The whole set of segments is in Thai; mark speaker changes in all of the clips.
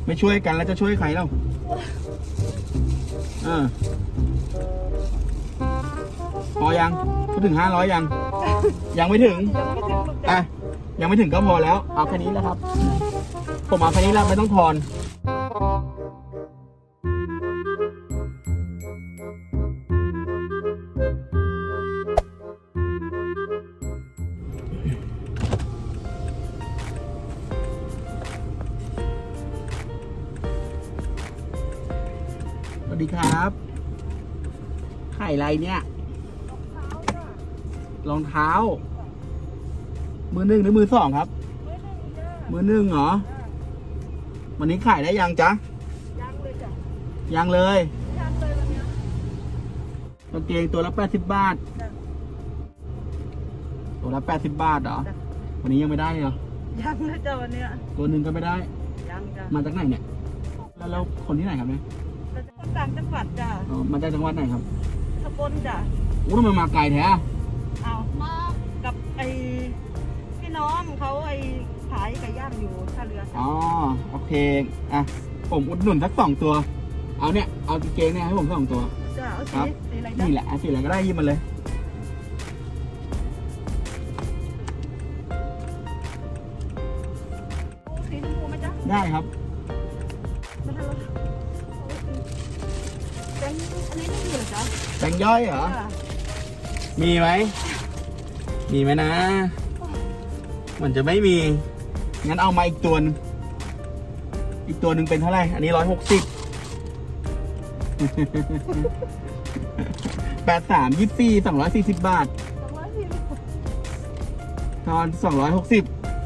Speaker 1: ไม่ช่วยกันแล้วจะช่วยใครเล่าพอยังพูดถึง500ยังยังไม่ถึงอ่ะยังไม่ถึงก็พอแล้วเอาแค่นี้แล้วครับผมเอาแค่นี้แล้วไม่ต้องทอนสวัสดีครับไข่อะไรเนี่ยรองเท้ามือหนึ่งหรือมือสองครับมือหนึ่งเหรอวันนี้ขายได้ยังจ๊ะยังเลยจ้ะยังเลยวันนี้กางเกงตัวละ80 บาทตัวละ80 บาทเหรอวันนี้ยังไม่ได้เหรอ
Speaker 2: ยังเลยจ้ะวันนี้
Speaker 1: ตัวหนึ่งก็ไม่ได้
Speaker 2: ยังจ้ะ
Speaker 1: มาจากไหนเนี่ยแล้วคนที่ไหนครับเนี่ย
Speaker 2: คนต่างจังหวัดจ้ะ
Speaker 1: มาจากจังหวัดไหนครับ
Speaker 2: สกลจ้ะ
Speaker 1: อู้ทำไมมาไกลแท้
Speaker 2: เอามากับพี่น้องเขาขายไก่ย่างอยู่ท่าเรือ
Speaker 1: อ๋อโอเคอ่ะผมอุดหนุนสัก2 ตัวเอาเนี่ยเอากางเกงเนี่ยให้ผม2 ตัว
Speaker 2: จ้ะเอาสีอะไร
Speaker 1: นี่แหละสีอะไรก็ได้ยิบมันเลย
Speaker 2: สีชมพูไหมจ๊ะ
Speaker 1: ได้ครับ
Speaker 2: แบงค์อันนี้ไม่มีเหรอจ๊ะ
Speaker 1: แบงค์ย่อยเหรอมีไหมนะมันจะไม่มีงั้นเอามาอีกตัวนึงเป็นเท่าไหร่อันนี้160 83 24 240 บาททอน260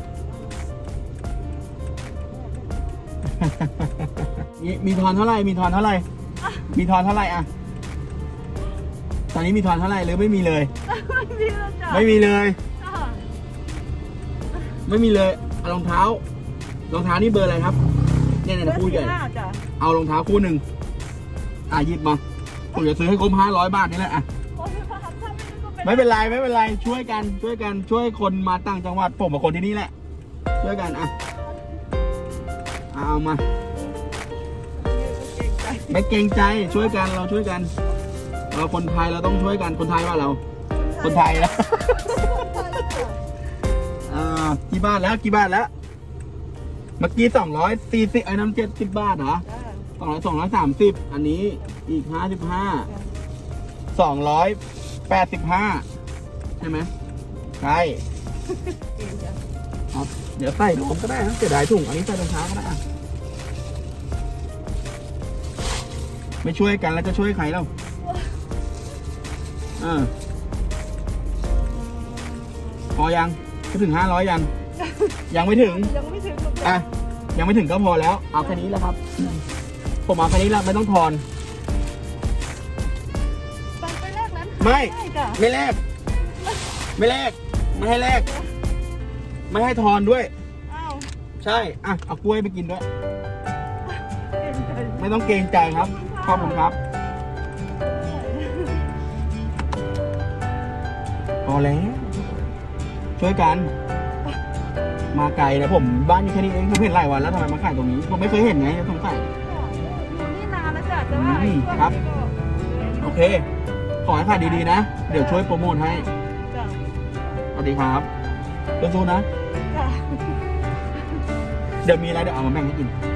Speaker 1: มีทอนเท่าไหร่อ่ะตอนนี้มีทอนเท่าไหร่หรือไม่มีเลยไม่มีเลยเอารองเท้านี่เบอร์อะไรครับเนี่ยคู่ใหญ่เอารองเท้าคู่หนึ่งหยิบมาผมจะซื้อให้ครบ500 บาทนี่แหละไม่เป็นไรช่วยกันช่วยคนมาต่างจังหวัดผมกับคนที่นี่แหละช่วยกันเอามาไม่เกรงใจช่วยกันเราช่วยกันเราคนไทยเราต้องช่วยกันคนไทยว่าเราคนไทยแล้วกี่บาทแล้วเมื่อกี้240ไอ้น้ำ70 บาทเหรอ230อันนี้อีก55 285ใช่ไหมใช่ครับเดี๋ยวใส่รวมก็ได้นะเสียดายถุงอันนี้ใส่รองเท้าก็ได้ไม่ช่วยกันแล้วจะช่วยใครเล่าพอยังก็ถึง500ยังไม่ถึงอ่ะยังไม่ถึงก็พอแล้วเอาแค่นี้แล้วครับผมเอาแค่นี้แล้วไม่ต้องทอน
Speaker 2: ไปแลกนั้น
Speaker 1: ไม่แลกไม่ให้แลกไม่ให้ทอนด้วยใช่เอากล้วยไปกินด้วยไม่ต้องเกรงใจครับขอบคุณครับพอแล้วช่วยกันมาไกลนะผมบ้านอยู่แค่นี้เองผมเห็นหลายวันแล้วทำไมมาขายตรงนี้ผมไม่เคยเห็นไงสงสัย
Speaker 2: อยู่นี่นานแล้วจ้ะแต่ว่า
Speaker 1: ครับโอเคขอให้ขายดีๆนะเดี๋ยวช่วยโปรโมทให้สวัสดีครับสู้ๆนะเดี๋ยวมีอะไรเดี๋ยวเอามาแบ่งให้กิน